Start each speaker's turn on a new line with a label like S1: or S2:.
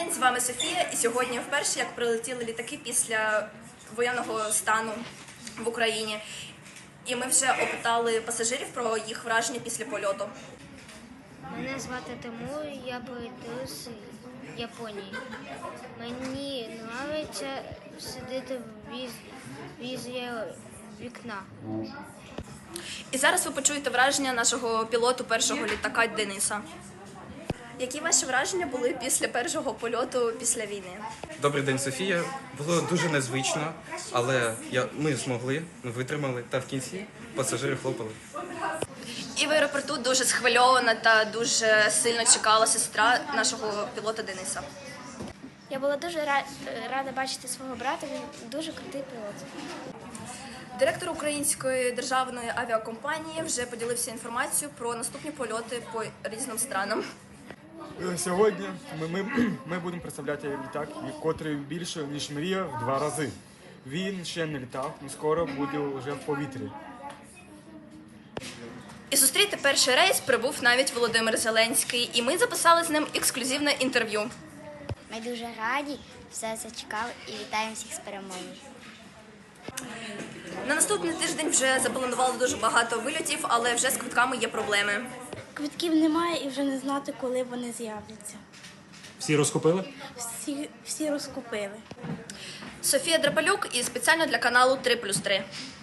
S1: день, з вами Софія, і сьогодні вперше, як прилетіли літаки після воєнного стану в Україні. І ми вже опитали пасажирів про їх враження після польоту.
S2: Мене звати Тимур, я прилетів з Японії. Мені подобається сидіти біля вікна.
S1: І зараз ви почуєте враження нашого пілоту першого літака Дениса. Які ваші враження були після першого польоту після війни?
S3: Добрий день, Софія. Було дуже незвично, але ми змогли, ми витримали, та в кінці пасажири хлопали.
S1: І в аеропорту дуже схвильована та дуже сильно чекала сестра нашого пілота Дениса.
S4: Я була дуже рада бачити свого брата, він дуже крутий пілот.
S1: Директор Української державної авіакомпанії вже поділився інформацією про наступні польоти по різним странам.
S5: Сьогодні ми будемо представляти літак, котрий більше, ніж мрія, в 2 рази. Він ще не літав, але скоро буде вже в повітрі.
S1: І зустріти перший рейс прибув навіть Володимир Зеленський, і ми записали з ним ексклюзивне інтерв'ю.
S2: Ми дуже раді, все це чекали і вітаємо всіх з перемогою.
S1: На наступний тиждень вже запланували дуже багато вильотів, але вже з квитками є проблеми.
S4: Квитків немає і вже не знати, коли вони з'являться.
S6: Всі розкупили?
S4: Всі розкупили.
S1: Софія Драпалюк і спеціально для каналу 3+3.